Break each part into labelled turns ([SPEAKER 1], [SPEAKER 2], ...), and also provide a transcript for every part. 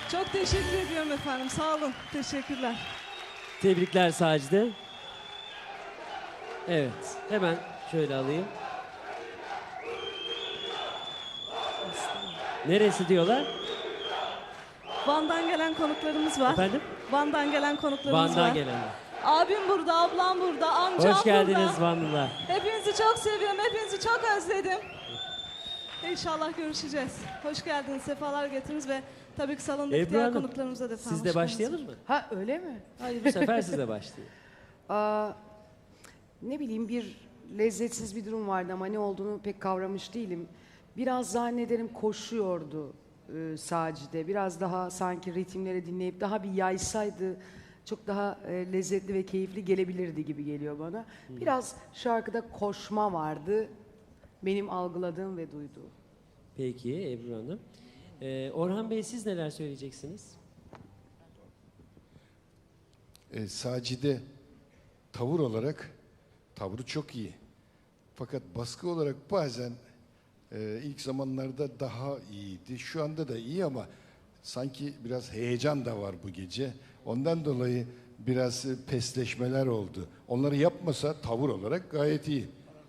[SPEAKER 1] Çok teşekkür ediyorum efendim. Sağ olun. Teşekkürler.
[SPEAKER 2] Tebrikler Sacide. Evet, hemen şöyle alayım. Neresi diyorlar?
[SPEAKER 1] Van'dan gelen konuklarımız var.
[SPEAKER 2] Efendim?
[SPEAKER 1] Van'dan gelen konuklarımız var.
[SPEAKER 2] Van'dan gelenler.
[SPEAKER 1] Abim burada, ablam burada, amcam
[SPEAKER 2] Hoş geldiniz
[SPEAKER 1] burada.
[SPEAKER 2] Vanlılar.
[SPEAKER 1] Hepinizi çok seviyorum, hepinizi çok özledim. İnşallah görüşeceğiz. Hoş geldiniz, sefalar getirdiniz ve tabii ki salondaki
[SPEAKER 2] Ebru
[SPEAKER 1] diğer
[SPEAKER 2] Hanım,
[SPEAKER 1] konuklarımıza da efendim.
[SPEAKER 2] Siz de
[SPEAKER 1] hoş
[SPEAKER 2] başlayalım
[SPEAKER 1] geldiniz.
[SPEAKER 2] mı?
[SPEAKER 3] Ha öyle mi?
[SPEAKER 2] Hayır, bu sefer siz de başlayın.
[SPEAKER 3] Ne bileyim bir lezzetsiz bir durum vardı ama ne olduğunu pek kavramış değilim. Biraz zannederim koşuyordu Sacide. Biraz daha sanki ritimleri dinleyip daha bir yaysaydı çok daha lezzetli ve keyifli gelebilirdi gibi geliyor bana. Biraz şarkıda koşma vardı. Benim algıladığım ve duyduğum.
[SPEAKER 2] Peki Ebru Hanım. Orhan Bey siz neler söyleyeceksiniz?
[SPEAKER 4] Sacide tavır olarak tavrı çok iyi. Fakat baskı olarak bazen ilk zamanlarda daha iyiydi. Şu anda da iyi ama sanki biraz heyecan da var bu gece. Ondan dolayı biraz pesleşmeler oldu. Onları yapmasa tavır olarak gayet iyi.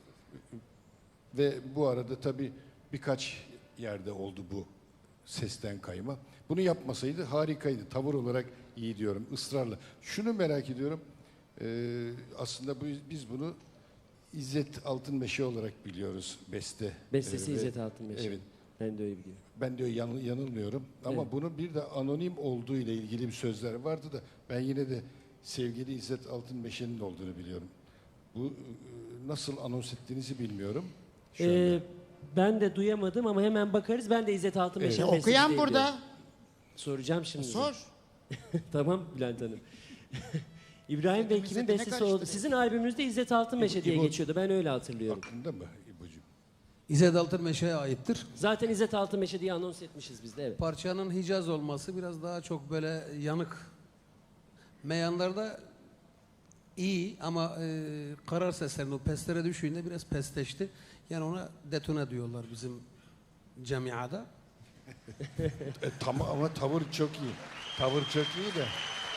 [SPEAKER 4] Ve bu arada tabii birkaç yerde oldu bu sesten kayma. Bunu yapmasaydı harikaydı. Tavır olarak iyi diyorum ısrarla. Şunu merak ediyorum. Aslında biz bunu İzzet Altınmeşe olarak biliyoruz beste.
[SPEAKER 2] Bestesi
[SPEAKER 4] ve-
[SPEAKER 2] İzzet Altınmeşe.
[SPEAKER 4] Evet.
[SPEAKER 2] Ben de öyle biliyorum.
[SPEAKER 4] Ben diyor yanılmıyorum. Ama
[SPEAKER 2] Evet.
[SPEAKER 4] bunun bir de anonim olduğu ile ilgili bir sözler vardı da ben yine de sevgili İzzet Altınmeşe'nin olduğunu biliyorum. Bu nasıl anons ettiğinizi bilmiyorum. Şu anda.
[SPEAKER 2] Ben de duyamadım ama hemen bakarız. Ben de İzzet Altınmeşe'nin
[SPEAKER 4] Evet.
[SPEAKER 2] bestesi
[SPEAKER 5] Okuyan
[SPEAKER 2] diye
[SPEAKER 5] burada.
[SPEAKER 2] biliyorum. Soracağım şimdi.
[SPEAKER 5] Sor.
[SPEAKER 2] Tamam Bülent Hanım. İbrahim Bey kimin
[SPEAKER 5] İzzet'ine
[SPEAKER 2] bestesi
[SPEAKER 5] karıştı
[SPEAKER 2] oldu?
[SPEAKER 5] dedi.
[SPEAKER 2] Sizin albümünüzde İzzet Altınmeşe diye
[SPEAKER 4] İbo-
[SPEAKER 2] geçiyordu. Ben öyle hatırlıyorum.
[SPEAKER 4] Aklında mı İbo'cum?
[SPEAKER 6] İzzet Altınmeşe'ye aittir.
[SPEAKER 2] Zaten İzzet Altınmeşe diye anons etmişiz biz de, evet.
[SPEAKER 6] Parçanın Hicaz olması biraz daha çok böyle yanık. Meyanlarda iyi ama karar seslerinin o pestlere düşüğünde biraz pesteşti. Yani ona detone diyorlar bizim camiada.
[SPEAKER 4] Tamam ama tavır çok iyi. Tavır çok iyi de.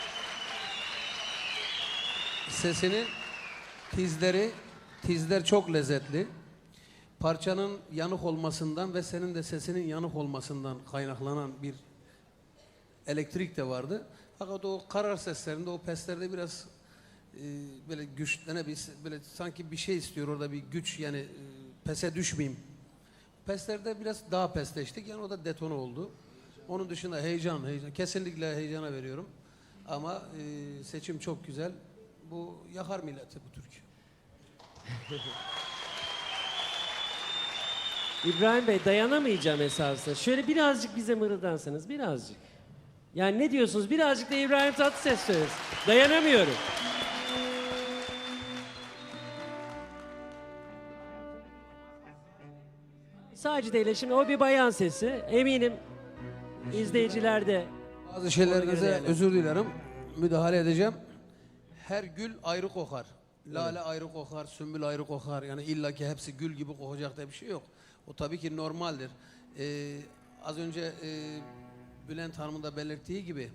[SPEAKER 6] Sesinin tizler çok lezzetli. Parçanın yanık olmasından ve senin de sesinin yanık olmasından kaynaklanan bir elektrik de vardı. Fakat o karar seslerinde, o peslerde biraz böyle böyle sanki bir şey istiyor orada bir güç yani pese düşmeyeyim. Peslerde biraz daha pesleştik yani o da detone oldu. Onun dışında heyecan. Kesinlikle heyecana veriyorum. Ama seçim çok güzel. Bu yakar milleti bu türkü.
[SPEAKER 2] İbrahim Bey dayanamayacağım esasında. Şöyle birazcık bize mırıldansanız, birazcık. Yani ne diyorsunuz? Birazcık da İbrahim Tatlıses söylesin. Dayanamıyorum. Sacide ile şimdi o bir bayan sesi. Eminim izleyiciler de
[SPEAKER 6] Bazı
[SPEAKER 2] Ona göre
[SPEAKER 6] şeylerinize
[SPEAKER 2] değerlendir.
[SPEAKER 6] özür dilerim. Müdahale edeceğim. Her gül ayrı kokar. Lale ayrı kokar, sümbül ayrı kokar. Yani illaki hepsi gül gibi kokacak diye bir şey yok. O tabii ki normaldir. Az önce Bülent Hanım'ın da belirttiği gibi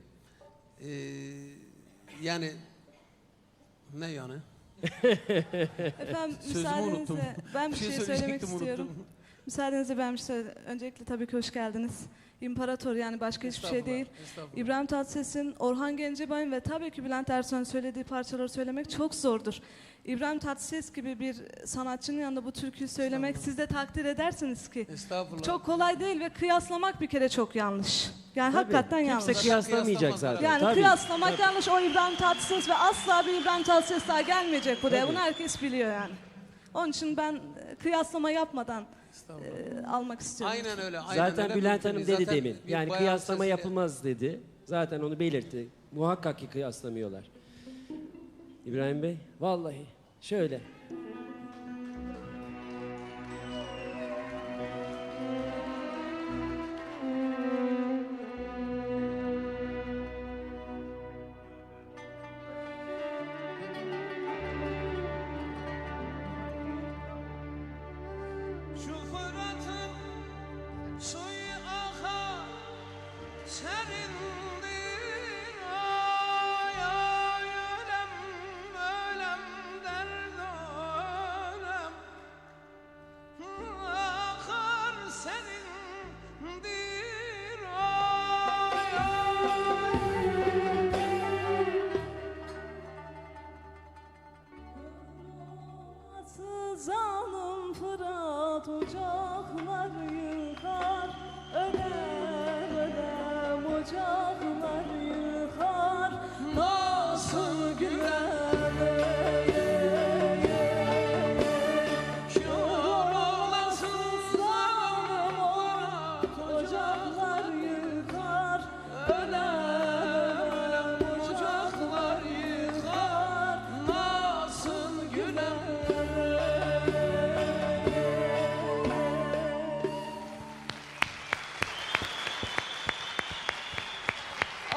[SPEAKER 6] yani ne yani?
[SPEAKER 1] Efendim
[SPEAKER 6] Sözümü unuttum.
[SPEAKER 1] müsaadenizle ben bir şey söylemek
[SPEAKER 6] söyleyecektim,
[SPEAKER 1] istiyorum.
[SPEAKER 6] unuttum.
[SPEAKER 1] Müsaadenizle ben bir şey öncelikle tabii ki hoş geldiniz. İmparator yani başka hiçbir şey değil.
[SPEAKER 6] Estağfurullah.
[SPEAKER 1] İbrahim Tatlıses'in, Orhan Gencebay'ın ve tabii ki Bülent Ersoy'un söylediği parçaları söylemek çok zordur. İbrahim Tatlıses gibi bir sanatçının yanında bu türküyü söylemek siz de takdir edersiniz ki.
[SPEAKER 6] Estağfurullah.
[SPEAKER 1] Çok kolay değil ve kıyaslamak bir kere çok yanlış. Yani
[SPEAKER 2] Tabii,
[SPEAKER 1] hakikaten
[SPEAKER 2] kimse
[SPEAKER 1] yanlış.
[SPEAKER 2] kıyaslamayacak
[SPEAKER 6] Kıyaslamaz
[SPEAKER 2] zaten.
[SPEAKER 1] Yani
[SPEAKER 2] Tabii.
[SPEAKER 1] kıyaslamak yanlış. O İbrahim Tatlıses ve asla bir İbrahim Tatlıses daha gelmeyecek buraya.
[SPEAKER 2] Tabii.
[SPEAKER 1] Bunu herkes biliyor yani. Onun için ben kıyaslama yapmadan almak istiyorum.
[SPEAKER 6] Aynen öyle. Aynen
[SPEAKER 2] Zaten
[SPEAKER 6] öyle.
[SPEAKER 2] Bülent
[SPEAKER 6] Mümkün
[SPEAKER 2] Hanım
[SPEAKER 6] değil.
[SPEAKER 2] dedi
[SPEAKER 6] Zaten
[SPEAKER 2] demin.
[SPEAKER 6] bir
[SPEAKER 2] Yani
[SPEAKER 6] bayan
[SPEAKER 2] kıyaslama
[SPEAKER 6] sesiyle-
[SPEAKER 2] yapılmaz dedi. Zaten onu belirtti. Muhakkak ki kıyaslamıyorlar. İbrahim Bey, vallahi şöyle.
[SPEAKER 7] Şu Fırat'ın suyu akar serin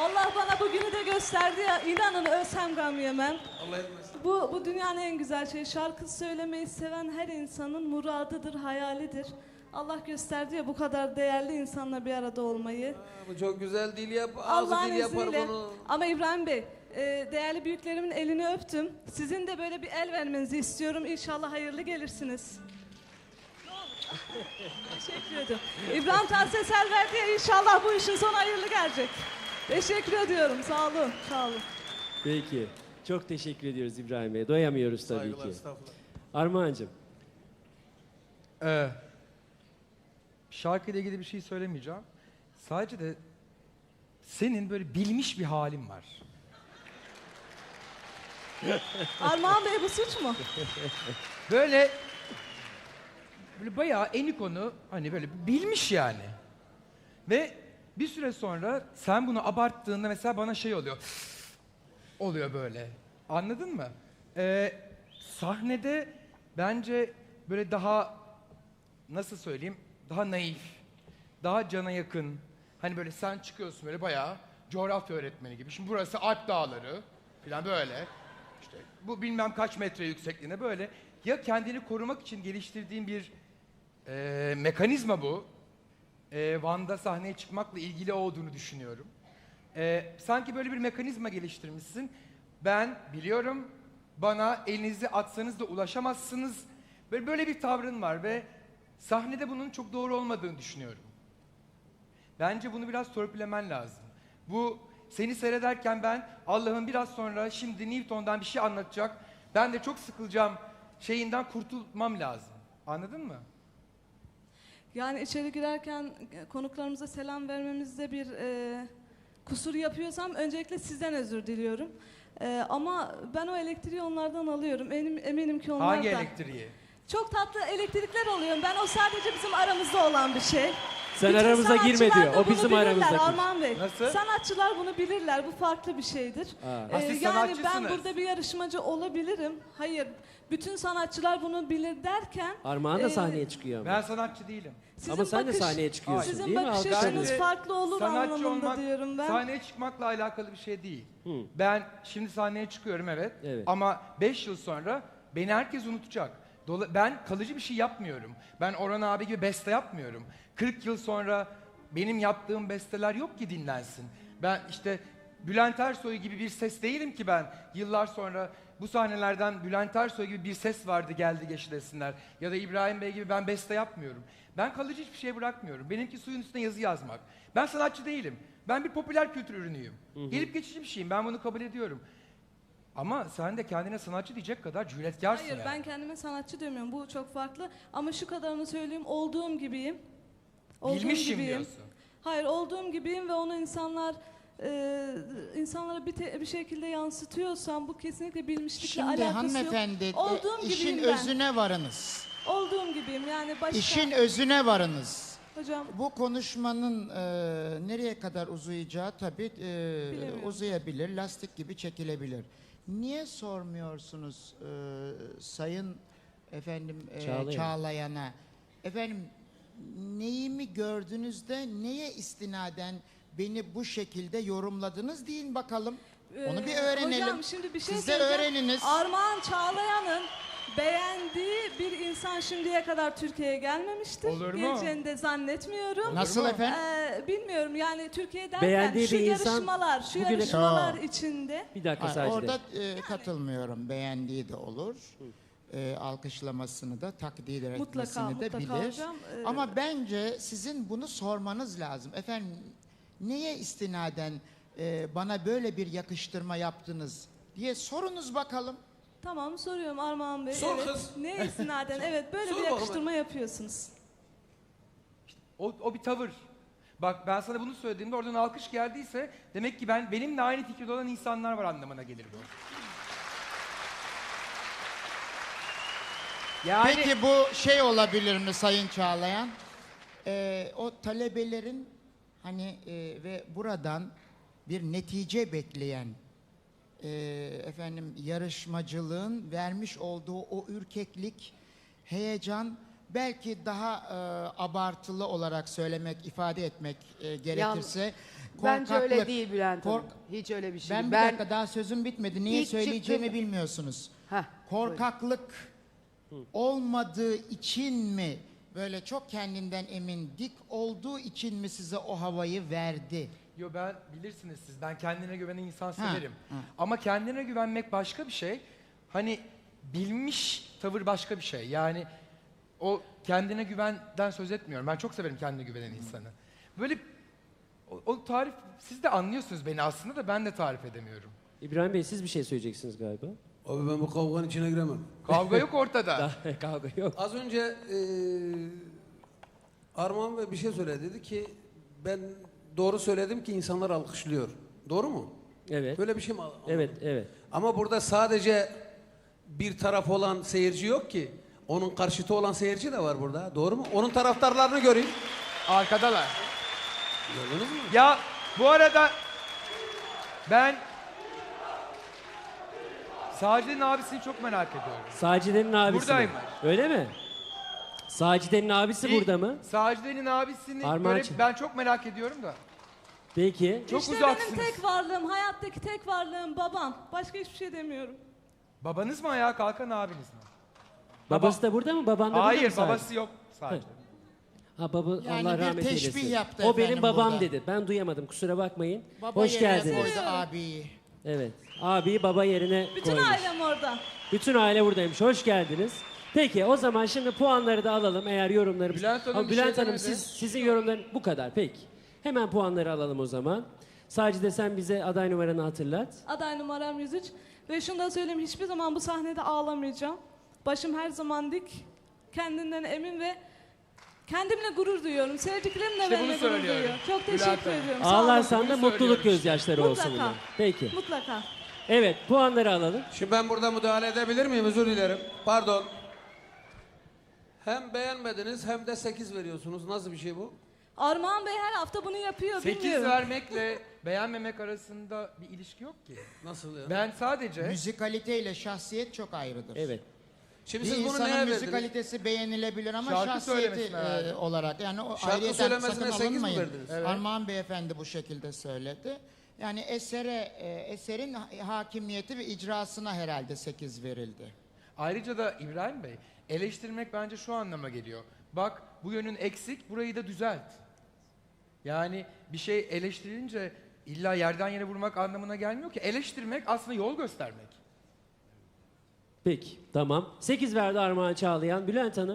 [SPEAKER 1] Allah bana bugünü de gösterdi ya, inanın ölsem gam yemem.
[SPEAKER 6] Allah etmesin.
[SPEAKER 1] Bu dünyanın en güzel şeyi. Şarkı söylemeyi seven her insanın muradıdır, hayalidir. Allah gösterdi ya bu kadar değerli insanla bir arada olmayı.
[SPEAKER 6] Bu çok güzel dil yap. Ağzı
[SPEAKER 1] Allah'ın
[SPEAKER 6] dil yapar
[SPEAKER 1] izniyle.
[SPEAKER 6] bunu.
[SPEAKER 1] Ama İbrahim Bey, değerli büyüklerimin elini öptüm. Sizin de böyle bir el vermenizi istiyorum. İnşallah hayırlı gelirsiniz. Teşekkür ederim. İbrahim Tatlıses el verdi ya, inşallah bu işin sonu hayırlı gelecek. Teşekkür ediyorum. Sağ olun. Sağ olun.
[SPEAKER 2] Peki. Çok teşekkür ediyoruz İbrahim Bey. Doyamıyoruz tabii
[SPEAKER 6] Saygılar,
[SPEAKER 2] ki.
[SPEAKER 6] estağfurullah.
[SPEAKER 2] Armağan'cığım.
[SPEAKER 5] Şarkıyla ilgili bir şey söylemeyeceğim. Sadece de senin böyle bilmiş bir halin var.
[SPEAKER 1] Armağan Bey bu suç mu?
[SPEAKER 5] Böyle bayağı Enikon'u hani böyle bilmiş yani. Ve bir süre sonra sen bunu abarttığında mesela bana şey oluyor. Oluyor böyle. Anladın mı? Sahnede bence böyle daha nasıl söyleyeyim? Daha naif, daha cana yakın. Hani böyle sen çıkıyorsun böyle bayağı coğrafya öğretmeni gibi. Şimdi burası Alp Dağları falan böyle. İşte bu bilmem kaç metre yüksekliğinde böyle. Ya kendini korumak için geliştirdiğin bir mekanizma bu. Van'da sahneye çıkmakla ilgili olduğunu düşünüyorum. Sanki böyle bir mekanizma geliştirmişsin. Ben biliyorum bana elinizi atsanız da ulaşamazsınız. Böyle bir tavrın var ve sahnede bunun çok doğru olmadığını düşünüyorum. Bence bunu biraz törpülemen lazım. Bu seni seyrederken ben Allah'ın biraz sonra şimdi Newton'dan bir şey anlatacak. Ben de çok sıkılacağım şeyinden kurtulmam lazım. Anladın mı?
[SPEAKER 1] Yani içeri girerken konuklarımıza selam vermemizde bir kusur yapıyorsam öncelikle sizden özür diliyorum. Ama ben o elektriği onlardan alıyorum. Eminim ki onlar
[SPEAKER 5] Hangi
[SPEAKER 1] da.
[SPEAKER 5] elektriği?
[SPEAKER 1] Çok tatlı elektrikler oluyor. Ben o sadece bizim aramızda olan bir şey.
[SPEAKER 2] Sen
[SPEAKER 1] Bütün
[SPEAKER 2] aramıza girme
[SPEAKER 1] sanatçılar
[SPEAKER 2] diyor.
[SPEAKER 1] da
[SPEAKER 2] O
[SPEAKER 1] bunu
[SPEAKER 2] bizim
[SPEAKER 1] bilirler
[SPEAKER 2] aramızdaki.
[SPEAKER 1] Armağan Bey.
[SPEAKER 5] Nasıl?
[SPEAKER 1] Sanatçılar bunu bilirler. Bu farklı bir şeydir.
[SPEAKER 2] Ha.
[SPEAKER 5] Siz
[SPEAKER 1] Yani ben
[SPEAKER 5] sanatçısınız.
[SPEAKER 1] burada bir yarışmacı olabilirim. Hayır. Bütün sanatçılar bunu bilir derken
[SPEAKER 2] Armağan da sahneye çıkıyor ama.
[SPEAKER 5] Ben sanatçı değilim.
[SPEAKER 1] sizin
[SPEAKER 2] Ama sen de
[SPEAKER 1] bakış-
[SPEAKER 2] sahneye çıkıyorsun
[SPEAKER 1] Sizin
[SPEAKER 2] değil mi?
[SPEAKER 1] bakış
[SPEAKER 2] Alkışlarınız.
[SPEAKER 1] açınız
[SPEAKER 5] Bence
[SPEAKER 1] farklı olur
[SPEAKER 5] sanatçı
[SPEAKER 1] anlamında
[SPEAKER 5] olmak,
[SPEAKER 1] diyorum ben.
[SPEAKER 5] sahneye çıkmakla alakalı bir şey değil.
[SPEAKER 2] Hı.
[SPEAKER 5] Ben şimdi sahneye çıkıyorum evet.
[SPEAKER 2] Evet.
[SPEAKER 5] Ama 5 yıl sonra beni herkes unutacak. Ben kalıcı bir şey yapmıyorum. Ben Orhan abi gibi beste yapmıyorum. 40 yıl sonra benim yaptığım besteler yok ki dinlensin. Ben işte Bülent Ersoy gibi bir ses değilim ki ben. Yıllar sonra bu sahnelerden Bülent Ersoy gibi bir ses vardı geldi geçti desinler. Ya da İbrahim Bey gibi ben beste yapmıyorum. Ben kalıcı hiçbir şey bırakmıyorum. Benimki suyun üstüne yazı yazmak. Ben sanatçı değilim. Ben bir popüler kültür ürünüyüm. Gelip geçici bir şeyim. Ben bunu kabul ediyorum. Ama sen de kendine sanatçı diyecek kadar cüretkarsın
[SPEAKER 1] Hayır
[SPEAKER 5] yani.
[SPEAKER 1] ben kendime sanatçı demiyorum. Bu çok farklı. Ama şu kadarını söyleyeyim. Olduğum gibiyim. Olduğum
[SPEAKER 5] Bilmişim
[SPEAKER 1] gibiyim.
[SPEAKER 5] diyorsun.
[SPEAKER 1] Hayır olduğum gibiyim ve onu insanlara bir şekilde yansıtıyorsam bu kesinlikle bilmişlikle
[SPEAKER 7] Şimdi
[SPEAKER 1] alakası
[SPEAKER 7] hanımefendi
[SPEAKER 1] yok. Olduğum
[SPEAKER 7] işin
[SPEAKER 1] gibiyim ben.
[SPEAKER 7] özüne varınız.
[SPEAKER 1] Olduğum gibiyim yani başka.
[SPEAKER 7] İşin özüne varınız.
[SPEAKER 1] Hocam
[SPEAKER 7] Bu konuşmanın nereye kadar uzayacağı tabii
[SPEAKER 1] Bilemiyorum.
[SPEAKER 7] uzayabilir, lastik gibi çekilebilir. Niye sormuyorsunuz Sayın efendim
[SPEAKER 2] Çağlayan.
[SPEAKER 7] Çağlayan'a? Efendim neyimi gördüğünüzde neye istinaden beni bu şekilde yorumladınız deyin bakalım. Onu bir öğrenelim.
[SPEAKER 1] Hocam şimdi bir şey
[SPEAKER 7] Siz de
[SPEAKER 1] söyleyeceğim.
[SPEAKER 7] öğreniniz.
[SPEAKER 1] Armağan Çağlayan'ın beğendiği bir insan şimdiye kadar Türkiye'ye gelmemiştir.
[SPEAKER 5] Olur mu?
[SPEAKER 1] Geleceğini de zannetmiyorum.
[SPEAKER 7] Nasıl
[SPEAKER 5] mu?
[SPEAKER 7] efendim?
[SPEAKER 1] Bilmiyorum yani Türkiye derken
[SPEAKER 2] Beğendiği
[SPEAKER 1] şu
[SPEAKER 2] bir insan
[SPEAKER 1] yarışmalar, şu
[SPEAKER 2] bugüne-
[SPEAKER 1] yarışmalar
[SPEAKER 7] Aa.
[SPEAKER 1] içinde
[SPEAKER 2] Bir dakika
[SPEAKER 7] Hayır,
[SPEAKER 2] sadece.
[SPEAKER 7] orada katılmıyorum. Beğendiği de olur. Alkışlamasını da takdir etmesini de
[SPEAKER 1] mutlaka
[SPEAKER 7] bilir.
[SPEAKER 1] hocam.
[SPEAKER 7] Ama bence sizin bunu sormanız lazım. Efendim neye istinaden bana böyle bir yakıştırma yaptınız diye sorunuz bakalım.
[SPEAKER 1] Tamam soruyorum Armağan Bey.
[SPEAKER 6] Sor
[SPEAKER 1] evet.
[SPEAKER 6] kız.
[SPEAKER 1] Ne istinaden evet böyle
[SPEAKER 6] Sor
[SPEAKER 1] bir
[SPEAKER 6] bakalım.
[SPEAKER 1] yakıştırma yapıyorsunuz.
[SPEAKER 5] O bir tavır. Bak ben sana bunu söylediğimde oradan alkış geldiyse demek ki benimle aynı fikirde olan insanlar var anlamına gelir bu. Yani
[SPEAKER 7] Peki bu şey olabilir mi Sayın Çağlayan? O talebelerin hani ve buradan bir netice bekleyen efendim yarışmacılığın vermiş olduğu o ürkeklik, heyecan belki daha abartılı olarak söylemek, ifade etmek gerekirse
[SPEAKER 3] Bence öyle
[SPEAKER 7] korkaklık.
[SPEAKER 3] değil Bülent Hanım.
[SPEAKER 7] Kork-
[SPEAKER 3] Hiç öyle bir şey
[SPEAKER 7] Ben
[SPEAKER 3] değil.
[SPEAKER 7] bir dakika daha sözüm bitmedi. Niye
[SPEAKER 3] İlk
[SPEAKER 7] söyleyeceğimi
[SPEAKER 3] çıktım-
[SPEAKER 7] bilmiyorsunuz.
[SPEAKER 3] Heh,
[SPEAKER 7] Korkaklık olmadığı için mi, böyle çok kendinden emin, dik olduğu için mi size o havayı verdi?
[SPEAKER 5] Yo, ben bilirsiniz siz, ben kendine güvenen insan
[SPEAKER 7] Ha,
[SPEAKER 5] severim.
[SPEAKER 7] ha.
[SPEAKER 5] Ama kendine güvenmek başka bir şey. Hani bilmiş tavır başka bir şey. Yani o kendine güvenden söz etmiyorum. Ben çok severim kendine güvenen insanı. Böyle o tarif, siz de anlıyorsunuz beni aslında da ben de tarif edemiyorum.
[SPEAKER 2] İbrahim Bey siz bir şey söyleyeceksiniz galiba.
[SPEAKER 6] Abi ben bu kavganın içine giremem.
[SPEAKER 5] Kavga yok ortada.
[SPEAKER 2] Daha kavga yok.
[SPEAKER 6] Az önce Armağan Bey bir şey söyledi. Dedi ki ben doğru söyledim ki insanlar alkışlıyor. Doğru mu?
[SPEAKER 2] Evet.
[SPEAKER 6] Böyle bir şey mi? Anladım.
[SPEAKER 2] Evet, evet.
[SPEAKER 6] Ama burada sadece bir taraf olan seyirci yok ki. Onun karşıtı olan seyirci de var burada. Doğru mu? Onun taraftarlarını göreyim.
[SPEAKER 5] Arkadalar.
[SPEAKER 6] Gördünüz mü?
[SPEAKER 5] Ya bu arada ben Sacide'nin abisini çok merak ediyorum.
[SPEAKER 2] Sacide'nin abisi mi?
[SPEAKER 5] Buradaymış.
[SPEAKER 2] Öyle mi? Sacide'nin abisi burada mı?
[SPEAKER 5] Sacide'nin abisini
[SPEAKER 2] Armağançım.
[SPEAKER 5] böyle ben çok merak ediyorum da.
[SPEAKER 2] Peki.
[SPEAKER 5] Çok
[SPEAKER 1] işte
[SPEAKER 5] uzaksınız.
[SPEAKER 1] benim tek varlığım, hayattaki tek varlığım babam. Başka hiçbir şey demiyorum.
[SPEAKER 5] Babanız mı ayağa kalkan abiniz mi?
[SPEAKER 2] Babası da burada mı? Baban da burada mı?
[SPEAKER 5] Hayır,
[SPEAKER 2] sadece?
[SPEAKER 5] babası yok sadece.
[SPEAKER 2] Ha baba,
[SPEAKER 7] Yani
[SPEAKER 2] Allah
[SPEAKER 7] bir
[SPEAKER 2] rahmet
[SPEAKER 7] teşbih
[SPEAKER 2] eylesin.
[SPEAKER 7] yaptı
[SPEAKER 2] O benim
[SPEAKER 7] efendim
[SPEAKER 2] babam
[SPEAKER 7] burada.
[SPEAKER 2] dedi. Ben duyamadım, kusura bakmayın.
[SPEAKER 7] Baba
[SPEAKER 2] Hoş
[SPEAKER 7] yerine
[SPEAKER 2] geldiniz.
[SPEAKER 7] koydu abiyi.
[SPEAKER 2] Evet. Abi baba yerine
[SPEAKER 1] Bütün
[SPEAKER 2] koymuş.
[SPEAKER 1] ailem orada.
[SPEAKER 2] Bütün aile buradaymış. Hoş geldiniz. Peki o zaman şimdi puanları da alalım eğer yorumlarımız...
[SPEAKER 5] Bülent Hanım
[SPEAKER 2] Ama
[SPEAKER 5] bir şey
[SPEAKER 2] Bülent Hanım
[SPEAKER 5] demedi.
[SPEAKER 2] sizin yorumların bu kadar. Peki. Hemen puanları alalım o zaman. Sadece sen bize aday numaranı hatırlat.
[SPEAKER 1] Aday numaram 103. Ve şunu da söyleyeyim, hiçbir zaman bu sahnede ağlamayacağım. Başım her zaman dik. Kendinden emin ve kendimle gurur duyuyorum. Sevdiklerim de
[SPEAKER 5] İşte
[SPEAKER 1] benimle
[SPEAKER 5] bunu
[SPEAKER 1] gurur
[SPEAKER 5] söylüyorum.
[SPEAKER 1] duyuyor. Çok
[SPEAKER 5] Bülent
[SPEAKER 1] teşekkür
[SPEAKER 5] Hanım.
[SPEAKER 1] ediyorum. Sağ olun.
[SPEAKER 2] Ağlarsan da
[SPEAKER 5] bunu
[SPEAKER 2] mutluluk
[SPEAKER 5] söylüyorum
[SPEAKER 2] gözyaşları olsun
[SPEAKER 1] Mutlaka.
[SPEAKER 2] bunlar. Peki.
[SPEAKER 1] Mutlaka.
[SPEAKER 2] Evet puanları alalım.
[SPEAKER 6] Şimdi ben burada müdahale edebilir miyim? Özür dilerim. Pardon. Hem beğenmediniz hem de 8 veriyorsunuz. Nasıl bir şey bu?
[SPEAKER 1] Armağan Bey her hafta bunu yapıyor.
[SPEAKER 5] 8
[SPEAKER 1] bilmiyorum.
[SPEAKER 5] vermekle beğenmemek arasında bir ilişki yok ki.
[SPEAKER 6] Nasıl ya?
[SPEAKER 5] Ben sadece
[SPEAKER 7] Müzikalite ile şahsiyet çok ayrıdır.
[SPEAKER 2] Evet.
[SPEAKER 6] Şimdi
[SPEAKER 7] Bir
[SPEAKER 6] siz bunu
[SPEAKER 7] insanın
[SPEAKER 6] neye verdiniz?
[SPEAKER 7] müzikalitesi beğenilebilir ama
[SPEAKER 5] Şarkı
[SPEAKER 7] şahsiyeti
[SPEAKER 5] söylemesine verdim.
[SPEAKER 7] olarak yani o
[SPEAKER 6] Şarkı
[SPEAKER 7] ayrıyeten
[SPEAKER 6] söylemesine
[SPEAKER 7] sakın
[SPEAKER 6] 8 mi
[SPEAKER 7] alınmayın.
[SPEAKER 6] verdiniz?
[SPEAKER 5] Evet.
[SPEAKER 7] Armağan Beyefendi bu şekilde söyledi. Yani eserin hakimiyeti ve icrasına herhalde 8 verildi.
[SPEAKER 5] ayrıca da İbrahim Bey, eleştirmek bence şu anlama geliyor. Bak bu yönün eksik, burayı da düzelt. Yani bir şey eleştirilince illa yerden yere vurmak anlamına gelmiyor ki. Eleştirmek aslında yol göstermek.
[SPEAKER 2] Peki tamam. 8 verdi Armağan Çağlayan. Bülent Hanım?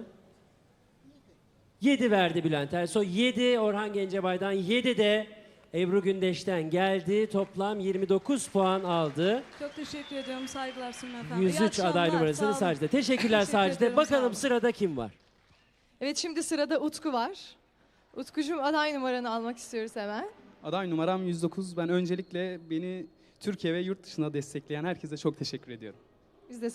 [SPEAKER 2] 7 verdi Bülent Ersoy. 7 Orhan Gencebay'dan. 7 de Ebru Gündeş'ten geldi. Toplam 29 puan aldı.
[SPEAKER 1] Çok teşekkür ediyorum. Saygılar sunum efendim. İyi
[SPEAKER 2] 103
[SPEAKER 1] akşamlar,
[SPEAKER 2] aday
[SPEAKER 1] sağ
[SPEAKER 2] numarasını
[SPEAKER 1] olun.
[SPEAKER 2] Sacide. Teşekkürler
[SPEAKER 1] Teşekkür
[SPEAKER 2] Sacide.
[SPEAKER 1] ediyorum, sağ
[SPEAKER 2] Bakalım
[SPEAKER 1] olun.
[SPEAKER 2] sırada kim var?
[SPEAKER 8] Evet, şimdi sırada Utku var. Utkucuğum, aday numaranı almak istiyoruz hemen.
[SPEAKER 9] Aday numaram 109. Ben öncelikle beni Türkiye ve yurt dışına destekleyen herkese çok teşekkür ediyorum.
[SPEAKER 8] Biz de